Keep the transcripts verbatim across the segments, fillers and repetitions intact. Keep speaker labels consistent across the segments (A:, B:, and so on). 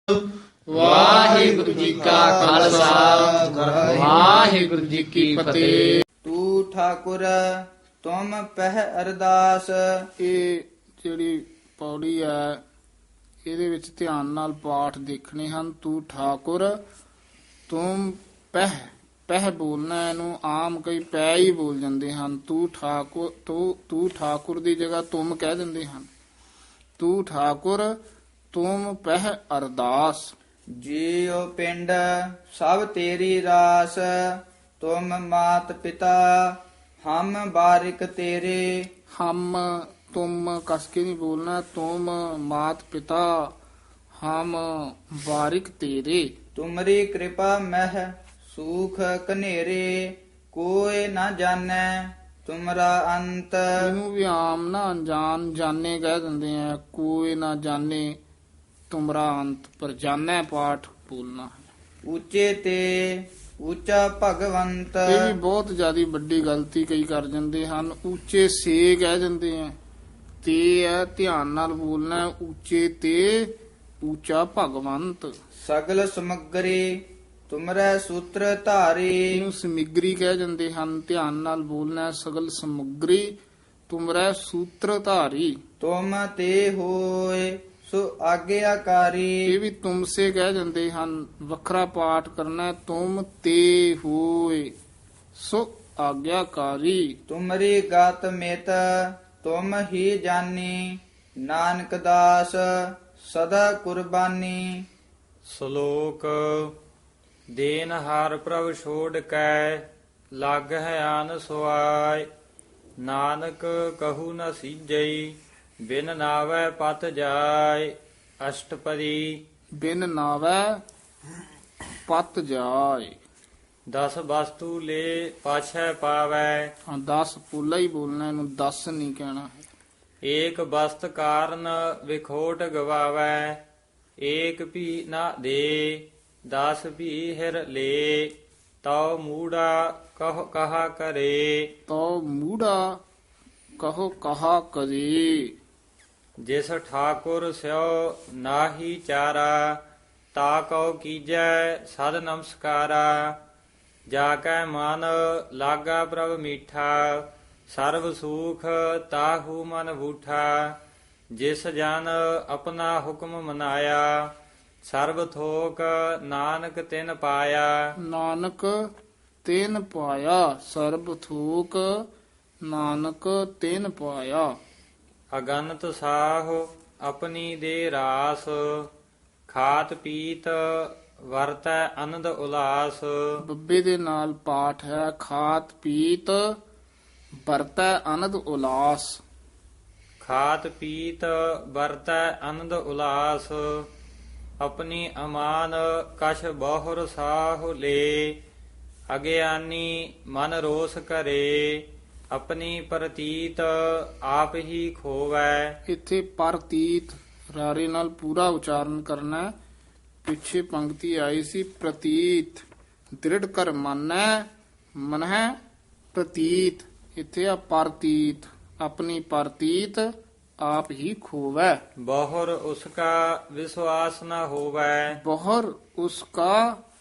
A: ਵਾਹਿਗੁਰੂ ਜੀ ਕਾ ਖਾਲਸਾ ਵਾਹਿਗੁਰੂ ਜੀ ਕੀ ਫਤਿਹ।
B: ਤੂੰ ਠਾਕੁਰ ਤੁਮ ਪਹਿ ਅਰਦਾਸ।
A: ਇਹ ਜਿਹੜੀ ਪੌੜੀ ਹੈ ਇਹਦੇ ਵਿੱਚ ਧਿਆਨ ਨਾਲ ਪਾਠ ਦੇਖਣੇ ਹਨ। ਤੂੰ ਠਾਕੁਰ ਤੁਮ ਪਹਿ ਪਹਿ ਬੋਲਣਾ, ਇਹਨੂੰ ਆਮ ਕਈ ਪੈ ਹੀ ਬੋਲ ਜਾਂਦੇ ਹਨ। ਤੂੰ ਠਾਕੁਰ ਤੂੰ ਤੂੰ ਠਾਕੁਰ ਦੀ ਜਗ੍ਹਾ ਤੁਮ ਕਹਿ ਦਿੰਦੇ ਹਨ। ਤੂੰ ਠਾਕੁਰ ਤੁਮ ਪਹਿ ਅਰਦਾਸ।
B: ਜੀਉ ਪਿੰਡ ਸਭ ਤੇਰੀ ਰਾਸ। ਤੁਮ ਮਾਤ ਪਿਤਾ ਹਮ ਬਾਰਿਕ ਤੇਰੇ।
A: ਹਮ ਤੁਮ ਕਸ ਕੇ ਨਹੀਂ ਬੋਲਣਾ। ਤੁਮ ਮਾਤ ਪਿਤਾ ਹਮ ਬਾਰਿਕ ਤੇਰੇ।
B: ਤੁਮਰੀ ਕਿਰਪਾ ਮਹਿ ਸੂਖ ਕਨੇਰੇ। ਕੋਇ ਨਾ ਜਾਣੈ ਤੁਮਰਾ ਅੰਤ।
A: ਇਹਨੂੰ ਵੀ ਆਮ ਨਾ ਅਣਜਾਣ ਜਾਣੇ ਕਹਿ ਦਿੰਦੇ ਆ। ਕੋਈ ਨਾ ਜਾਣੇ ਤੁਮਰਾ ਅੰਤ, ਪਰ ਜਾਣੈ ਪਾਠ ਬੋਲਣਾ ਹੈ।
B: ਉੱਚੇ ਤੇ ਉੱਚਾ ਭਗਵੰਤ।
A: ਇਹ ਵੀ ਬਹੁਤ ਜ਼ਿਆਦਾ ਵੱਡੀ ਗਲਤੀ ਕਈ ਕਰ ਜਾਂਦੇ ਹਨ। ਉੱਚੇ ਸੇ ਕਹਿ ਦਿੰਦੇ ਆ। ਤੇ ਹੈ ਧਿਆਨ ਨਾਲ ਬੋਲਣਾ। ਉੱਚੇ ਤੇ ਉੱਚਾ ਭਗਵੰਤ।
B: ਸਗਲ ਸਮਗਰੀ ਤੁਮਰੇ ਸੂਤਰ ਧਾਰੀ।
A: ਇਹਨੂੰ ਸਮਿਗਰੀ ਕਹਿ ਜਾਂਦੇ ਹਨ। ਧਿਆਨ ਨਾਲ ਬੋਲਣਾ। ਸਗਲ ਸਮਗਰੀ ਤੁਮਰੇ ਸੂਤਰ ਧਾਰੀ।
B: ਤੁਮ ਤੇ ਹੋਏ ਸੋ ਆਗਿਆਕਾਰੀ।
A: ਇਹ ਵੀ ਤੁਮ ਸੇ ਕਹਿ ਜਾਂਦੇ ਹਨ। ਵੱਖਰਾ ਪਾਠ ਕਰਨਾ। ਤੁਮ ਤੇ ਹੋਏ ਸੋ ਆਗਿਆਕਾਰੀ।
B: ਤੁਮਰੀ ਗਤ ਮਿਤ ਤੁਮ ਹੀ ਜਾਨੀ। ਨਾਨਕ ਦਾਸ ਸਦਾ ਕੁਰਬਾਨੀ।
C: ਸ਼ਲੋਕ ਦੇਨ ਹਰ ਪ੍ਰਭ ਛੋੜ ਕੈ ਲਗ ਹੈ ਆਨ ਸੁਆਇ। ਨਾਨਕ ਕਹੂ ਨ ਸੀਜਈ ਬਿਨ ਨਾਵੈ ਪਤ ਜਾਇ। ਅਸ਼ਟਪਦੀ
A: ਬਿਨ ਨਾਵੈ ਪਤ ਜਾਏ।
C: ਦਸ ਵਸਤੂ ਲੈ ਪਾਛੈ ਪਾਵੈ।
A: ਹਾਂ ਦਸ ਪੋਲਾ ਹੀ ਬੋਲਣਾ, ਇਹਨੂੰ ਦਸ ਨਹੀਂ ਕਹਿਣਾ ਹੈ।
C: ਏਕ ਬਸਤ ਕਾਰਨ ਵਿਖੋਟ ਗਵਾਵੈ। ਏਕ ਭੀ ਨਾ ਦੇ ਦਸ ਭੀ ਹਿਰ ਲੈ। ਤਉ ਮੂੜਾ ਕਹ ਕਹਾ ਕਰੇ।
A: ਤੋ ਮੂੜਾ ਕਹੋ ਕਹਾ ਕਰੇ।
C: ਜਿਸ ਠਾਕੁਰ ਸਿਓ ਨਾਹੀ ਚਾਰਾ। ਤਾ ਕਉ ਕੀਜੈ ਸਦ ਨਮਸਕਾਰਾ। ਜਾ ਕੈ ਮਨ ਲਾਗਾ ਪ੍ਰਭ ਮੀਠਾ। ਸਰਬ ਸੂਖ ਤਾਹੂ ਮਨ ਬੂਠਾ। ਜਿਸ ਜਨ ਆਪਣਾ ਹੁਕਮ ਮਨਾਇਆ। ਸਰਬ ਥੋਕ ਨਾਨਕ ਤਿਨ ਪਾਇਆ।
A: ਨਾਨਕ ਤੈਨ ਪਾਇਆ। ਸਰਬ ਥੂਕ ਨਾਨਕ ਤੈਨ ਪਾਇਆ।
C: ਅਗਨਤ ਸਾਹ ਆਪਣੀ ਦੇ ਰਾਸ। ਖਾਤ ਪੀਤ ਵਰਤੈ ਆਨੰਦ ਉਲਾਸ।
A: ਬੱਬੇ ਦੇ ਨਾਲ ਪਾਠ ਹੈ। ਖਾਤ ਪੀਤ ਵਰਤੈ ਆਨੰਦ ਉਲਾਸ।
C: ਖਾਤ ਪੀਤ ਵਰਤੈ ਆਨੰਦ ਉਲਾਸ। ਆਪਣੀ ਅਮਾਨ ਕਛ ਬਹੁਰ ਸਾਹੁ ਲੈ। ਅਗਿਆਨੀ ਮਨ ਰੋਸ ਕਰੇ। ਆਪਣੀ ਪ੍ਰਤੀਤ ਆਪ ਹੀ ਖੋਵੈ।
A: ਇੱਥੇ ਪ੍ਰਤੀਤ ਰਾਰੇ ਨਾਲ ਪੂਰਾ ਉਚਾਰਨ ਕਰਨਾ ਹੈ। ਪਿੱਛੇ ਪੰਕਤੀ ਆਈ ਸੀ ਪ੍ਰਤੀਤ। ਦ੍ਰਿੜ ਕਰ ਮੰਨੈ ਮਨਹਿ ਪ੍ਰਤੀਤ। ਇੱਥੇ ਆ ਪ੍ਰਤੀਤ। ਆਪਣੀ ਪ੍ਰਤੀਤ ਆਪ ਹੀ ਖੋਵੈ।
C: ਬਹੁਰ ਉਸਕਾ ਵਿਸ਼ਵਾਸ ਨ ਹੋਵੈ।
A: ਬਹੁਰ ਉਸਕਾ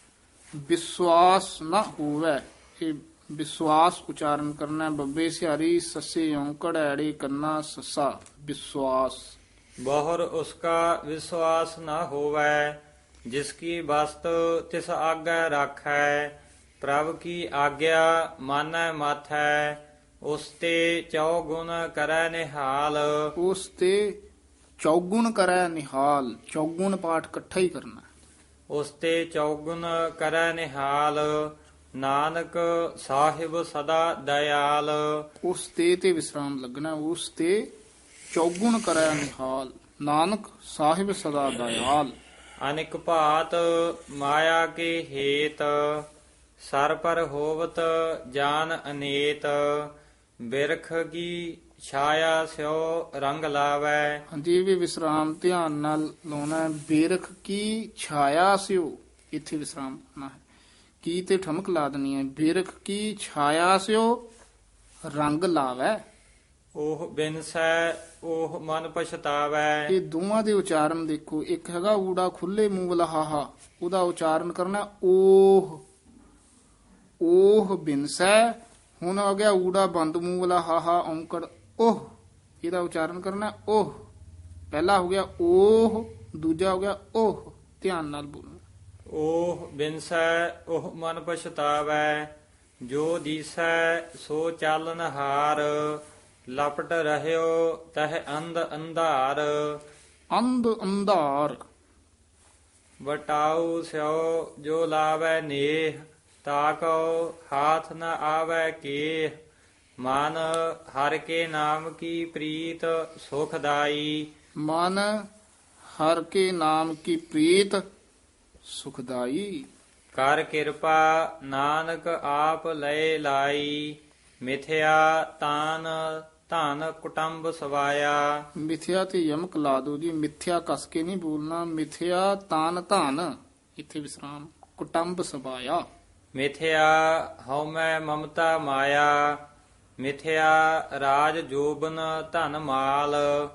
A: ਵਿਸ਼ਵਾਸ ਨਾ ਹੋਵੈ। ਇਹ ਵਿਸ਼ਵਾਸ ਉਚਾਰਨ ਕਰਨਾ। ਬੱਬੇ ਸਿਹਾਰੀ ਸੱਸੇ ਔਂਕੜ ਐੜੇ ਕੰਨਾ ਸੱਸਾ। ਵਿਸ਼ਵਾਸ।
C: ਬਹੁਰ ਉਸਕਾ ਵਿਸ਼ਵਾਸ ਨ ਹੋਵੈ। ਜਿਸ ਕੀ ਵਸਤ ਤਿਸ ਆਗੈ ਰਾਖੈ। ਪ੍ਰਭ ਕੀ ਆਗਿਆ ਮਾਨੈ ਮਾਥੈ। ਉਸ ਤੇ ਚੌ ਗੁਣ ਕਰੈ ਨਿਹਾਲ।
A: ਉਸ ਤੇ ਚੌਗੁਣ ਕਰੈ ਨਿਹਾਲ। ਚੌਗੁਣ ਪਾਠ ਇਕੱਠਾ ਹੀ ਕਰਨਾ।
C: ਉਸ ਤੇ ਚੌਗੁਣ ਕਰੈ ਨਿਹਾਲ। ਨਾਨਕ ਸਾਹਿਬ ਸਦਾ ਦਇਆਲ।
A: ਉਸ ਤੇ ਤੇ ਵਿਸਰਾਮ ਲੱਗਣਾ। ਉਸ ਤੇ ਚੌਗੁਣ ਕਰੈ ਨਿਹਾਲ। ਨਾਨਕ ਸਾਹਿਬ ਸਦਾ ਦਇਆਲ।
C: ਅਨਿਕ ਭਾਤ ਮਾਇਆ ਕੇ ਹੇਤ। ਸਰ ਪਰ ਹੋਵਤ ਜਾਨ ਅਨੇਤ। ਬਿਰਖ ਕੀ ਛਾਇਆ ਸਿਓ ਰੰਗ ਲਾਵੈ।
A: ਹਾਂਜੀ ਇਹ ਵੀ ਵਿਸਰਾਮ ਧਿਆਨ ਨਾਲ ਲਾਉਣਾ ਹੈ। ਬੇਰਖ ਕੀ ਛਾਇਆ ਸਿਓ ਇੱਥੇ ਵਿਸਰਾਮ ਲਾਉਣਾ ਹੈ। ਕੀ ਤੇ ਠਮਕ ਲਾ ਦੇਣੀ ਹੈ। ਬੇਰਖ ਕੀ ਛਾਇਆ ਸਿਓ ਰੰਗ ਲਾਵੈ।
C: ਉਹ ਬਿਨਸੈ ਉਹ ਮਨ ਪਛਤਾਵੈ।
A: ਇਹ ਦੋਵਾਂ ਦੇ ਉਚਾਰਨ ਦੇਖੋ, ਇੱਕ ਹੈਗਾ ਊੜਾ ਖੁੱਲੇ ਮੂੰਹ ਵਾਲਾ ਹਾਹਾ, ਉਹਦਾ ਉਚਾਰਨ ਕਰਨਾ ਓਹ, ਓਹ ਬਿਨਸੈ। ਹੁਣ ਆ ਗਿਆ ਊੜਾ ਬੰਦ ਮੂੰਹ ਵਾਲਾ ਹਾਹਾ ਔਂਕੜ ਓਹ, ਇਹਦਾ ਉਚਾਰਨ ਕਰਨਾ ਓਹ। ਪਹਿਲਾ ਹੋ ਗਿਆ ਓਹ, ਦੂਜਾ ਹੋ ਗਿਆ ਓਹ। ਧਿਆਨ ਨਾਲ ਬੋਲਣਾ।
C: ਉਹ ਬਿਨਸੈ ਉਹ ਮਨ ਪਛਤਾਵੈ। ਜੋ ਦੀਸੈ ਸੋ ਚਾਲਨ ਹਾਰ। ਲਪਟ ਰਹਿਓ ਤਹ ਅੰਧ ਅੰਧਾਰ।
A: ਅੰਧ ਅੰਧਾਰ।
C: ਵਟਾਉ ਸਿਓ ਜੋ ਲਾਵੈ ਨੇਹ। ਤਾਕੋ ਹਾਥ ਨ ਆਵੈ ਕੇਹ। ਮਨ ਹਰ ਕੇ ਨਾਮ ਕੀ ਪ੍ਰੀਤ ਸੁਖਦਾਈ।
A: ਮਨ ਹਰ ਕੇ ਨਾਮ ਕੀ ਪ੍ਰੀਤ ਸੁਖਦਾਈ।
C: ਕਰ ਕਿਰਪਾ ਨਾਨਕ ਆਪ ਲਏ ਲਾਈ। ਮਿਥਿਆ ਤਾਨ ਧਨ ਕੁਟੰਬ ਸਵਾਇਆ।
A: ਮਿਥਿਆ ਤੇ ਯਮਕ ਲਾ ਦੋ ਜੀ, ਮਿਥਿਆ ਕਸ ਕੇ ਨਹੀਂ ਬੋਲਣਾ। ਮਿਥਿਆ ਤਾਨ ਧਨ, ਇੱਥੇ ਵਿਸਰਾਮ। ਕੁਟੰਬ ਸਬਾਇਆ।
C: ਮਿਥਿਆ ਹਉਮੈ ਮਮਤਾ ਮਾਇਆ। ਮਿਥਿਆ ਰਾਜ ਜੋਬਨ ਧਨ ਮਾਲ।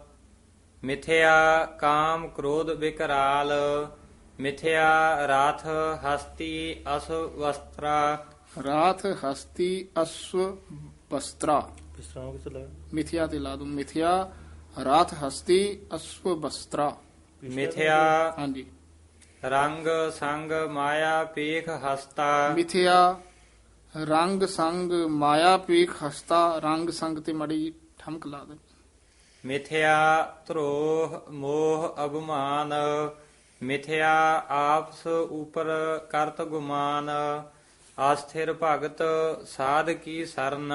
C: ਮਿਥਿਆ ਕਾਮ ਕ੍ਰੋਧ ਵਿਕਰਾਲ। ਮਿਥਿਆ ਰਾਥ ਹਸਤੀ ਅਸ ਵਸਤਰਾ।
A: ਰਾਤ ਹਸਤੀ ਅਸਵ ਬਸਤਰਾ।
D: ਵਿਸਰਾਮ ਕਿੱਥੇ ਲਾਇਆ?
A: ਮਿਥਿਆ ਤੇ ਲਾ ਦੋ। ਮਿਥਿਆ ਰਾਤ ਹਸਤੀ ਅਸਵ ਬਸਤਰਾ।
C: ਮਿਥਿਆ
A: ਹਾਂਜੀ।
C: ਰੰਗ ਸੰਗ ਮਾਇਆ ਪੇਖ ਹਸਤਾ।
A: ਮਿਥਿਆ ਰੰਗ ਸੰਗ ਮਾਇਆ ਪੀਖ ਹਸਤਾ। ਰੰਗ ਸੰਗ ਤੇ ਮੜੀ ਠਮਕ ਲਾ ਦੇ।
C: ਮਿਥਿਆ ਧਰੋਹ ਮੋਹ ਅਭਮਾਨ। ਮਿਥਿਆ ਆਪਸ ਉਪਰ ਕਰਤ ਗੁਮਾਨ। ਆਸਥਿਰ ਭਗਤ ਸਾਧ ਕੀ ਸਰਨ।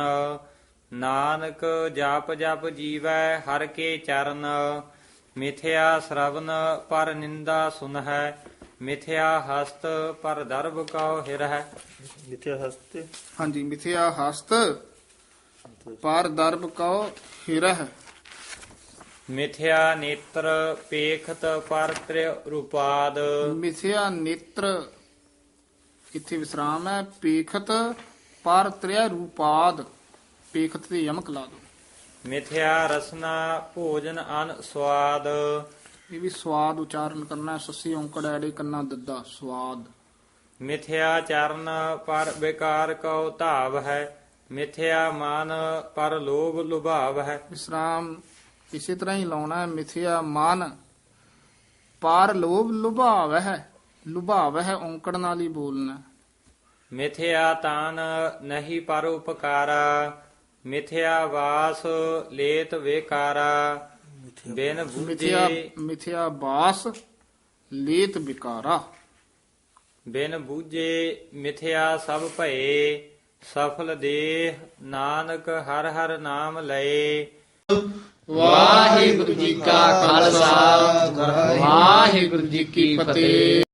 C: ਨਾਨਕ ਜਪ ਜਪ ਜੀਵੈ ਹਰ ਕੇ ਚਰਨ। ਮਿਥਿਆ ਸ਼ਰਵਨ ਪਰ ਨਿੰਦਾ ਸੁਨਹਿ। ਮਿਥਿਆ ਹਸਤ ਪਰ ਦਰਬ ਕਉ ਹਿਰਹਿ।
D: ਮਿਥਿਆ ਹਸਤੇ
A: ਹਾਂਜੀ। ਮਿਥਿਆ ਹਸਤ ਪਰ ਦਰਬ ਕਉ ਹਿਰਹਿ।
C: ਮਿਥਿਆ ਨੇਤਰ ਪੇਖਤ ਪਰ ਤ੍ਰਿ ਰੂਪਾਦ।
A: ਮਿਥਿਆ ਨੇਤਰ, ਇੱਥੇ ਵਿਸਰਾਮ ਹੈ। ਪੇਖਤ ਪਰ ਤ੍ਰਿਆ ਰੂਪਾਦ। ਪੇਖਤ ਤੇ ਯਮਕ ਲਾ ਦੋ।
C: ਮਿਥਿਆ ਰਸਨਾ ਭੋਜਨ ਅਨ ਸਵਾਦ।
A: ਇਹ ਵੀ ਸਵਾਦ ਉਚਾਰਨ ਕਰਨਾ। ਸੱਸੀ ਔਂਕੜ ਐੜੇ ਕੰਨਾ ਦੱਦਾ ਸਵਾਦ।
C: ਮਿਥਿਆ ਚਰਨ ਪਰ ਵਿਕਾਰ ਕਉ ਧਾਵ ਹੈ। ਮਿਥਿਆ ਮਨ ਪਰ ਲੋਭ ਲੁਭਾਵ ਹੈ।
A: ਵਿਸਰਾਮ ਇਸੇ ਤਰ੍ਹਾਂ ਹੀ ਲਾਉਣਾ ਹੈ। ਮਿਥਿਆ ਮਨ ਪਰ ਲੋਭ ਲੁਭਾਵ ਹੈ। ਲੁਭਾਵ ਹੈ ਔਂਕੜ ਨਾਲ ਹੀ ਬੋਲਣਾ।
C: ਮਿਥਿਆ ਤਾਨ ਨਹੀਂ ਪਰ ਉਪਕਾਰਾ। ਮਿਥਿਆ ਵਾਸ ਲੇਤ ਵੇਕਾਰਾ। ਬਿਨ
A: ਮਿਥਿਆ
C: ਬੂਝੇ
A: ਮਿਥਿਆ ਬਾਸ ਲੇਤ ਵਿਕਾਰਾ।
C: ਬਿਨ ਬੂਝੇ ਮਿਥਿਆ ਸਭ ਭਏ। ਸਫਲ ਦੇਹ ਨਾਨਕ ਹਰ ਹਰ ਨਾਮ ਲਏ।
A: ਵਾਹਿਗੁਰੂ ਜੀ ਕਾ ਖਾਲਸਾ ਵਾਹਿਗੁਰੂ ਜੀ ਕੀ ਫਤਿਹ।